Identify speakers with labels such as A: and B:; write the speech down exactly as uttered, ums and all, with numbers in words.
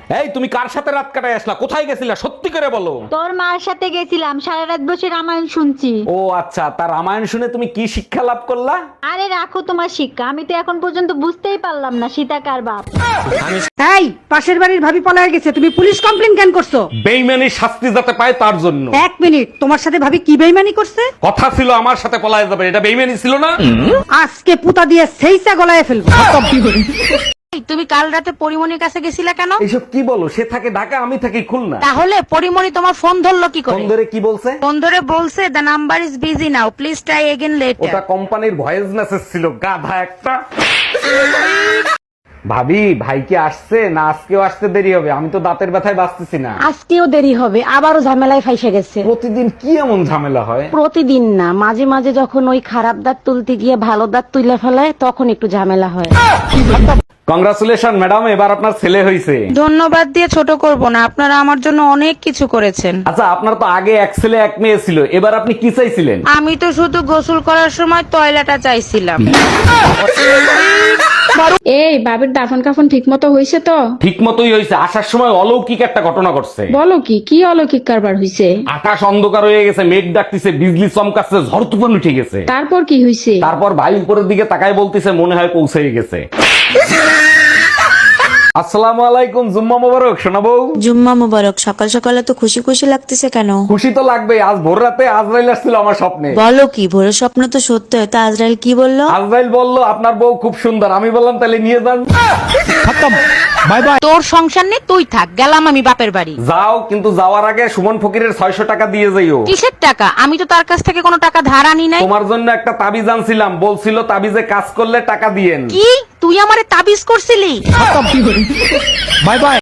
A: এই তুমি কার সাথে রাত কাটায় আসলা, কোথায় গেছিলা সত্যি করে বলো।
B: তোর মার সাথে গেছিলাম, সারা রাত বসে রামায়ণ শুনছি।
A: ও আচ্ছা, তার রামায়ণ শুনে তুমি কি শিক্ষা লাভ করলা?
B: আরে রাখো তোমার শিক্ষা, আমি তো এখন পর্যন্ত বুঝতেই পারলাম না সীতা কার বাপ।
C: এই পাশের বাড়ির ভাবি পলায় গেছে, তুমি পুলিশ কমপ্লেন কেন করছো?
A: বেইমানি শাস্তি যাতে পায় তার জন্য।
C: এক মিনিট, তোমার সাথে ভাবি কি বেইমানি করছে?
A: কথা ছিল আমার সাথে পলায় যাবে, এটা বেইমানি ছিল না?
C: আজকে পুতা দিয়ে সেইসা গলায় ফেলবো।
D: তুমি কাল রাতে পরিমণির কাছে গেছিলা কেন?
A: এইসব কি বলো, সে থাকে ঢাকা, আমি থাকি খুলনা।
D: তাহলে পরিমণি তোমার ফোন ধরলো কি করে?
A: ফোন ধরে কি বলছে?
D: ফোন ধরে বলছে the number is busy now, please try again
A: ওটা
D: লেটার।
A: কোম্পানির ভয়েস মেসেজ ছিল, গাধা একটা। ভাবি, ভাই কি আসছে না আজকেও আসতে দেরি হবে? আমি তো দাঁতের ব্যথায় বাঁচতেছি না।
C: আজকেও দেরি হবে, আবারও ঝামেলায় ফাইসে গেছে।
A: প্রতিদিন কি এমন ঝামেলা হয়?
C: প্রতিদিন না, মাঝে মাঝে যখন ওই খারাপ দাঁত তুলতে গিয়ে ভালো দাঁত তুলে ফেলায় তখন একটু ঝামেলা হয়।
A: কংগ্রাচুলেশন ম্যাডাম, এবার আপনার ছেলে হয়েছে।
D: ধন্যবাদ দিয়ে ছোট করব না, আপনারা আমার জন্য অনেক কিছু করেছেন।
A: আচ্ছা, আপনার তো আগে এক ছেলে এক মেয়ে ছিল, এবার আপনি কি চাইছিলেন?
D: আমি তো শুধু গোসল করার সময় টয়লেটটা চাইছিলাম।
E: এই বাবির দাফন কাফন ঠিক মতো হয়েছে তো?
A: ঠিক মতোই হয়েছে, আসার সময় অলৌকিক একটা ঘটনা ঘটছে।
E: বলো কি কি অলৌকিক কারবার হয়েছে?
A: আকাশ অন্ধকার হয়ে গেছে, মেঘ ডাকতেছে, বিজলি চমকাচ্ছে, ঝড় তুফান উঠে গেছে।
E: তারপর কি হয়েছে?
A: তারপর ভাই উপরের দিকে তাকায় বলতেছে মনে হয় পৌঁছে গেছে। আসসালামু আলাইকুম, জুম্মা মোবারক শোনাবো।
F: জুম্মা মুবারক। সকাল সকালে তো খুশি খুশি লাগতেছে কেন?
A: খুশি তো লাগবে, আজ ভোর রাতে আজরাইল আসছিল আমার স্বপ্নে।
F: বলো কি, ভোরের স্বপ্ন তো সত্য হয়, তা আজরাইল কি বললো?
A: আজরাইল বলল আপনার বউ খুব সুন্দর। আমি বললাম তাহলে নিয়ে যান।
D: তোর সংসার নেই, তুই থাক, গেলাম আমি বাপের বাড়ি।
A: যাও, কিন্তু যাওয়ার আগে সুমন ফকিরের ছয়শো টাকা দিয়ে যাইও।
D: কিসের টাকা? আমি তো তার কাছ থেকে কোনো টাকা ধার আনি নাই।
A: তোমার জন্য একটা তাবিজ আনছিলাম, বলছিল তাবিজে কাজ করলে টাকা দিয়েন।
D: কি তুই আমারে তাবিজ করছিলি?
A: Bye by.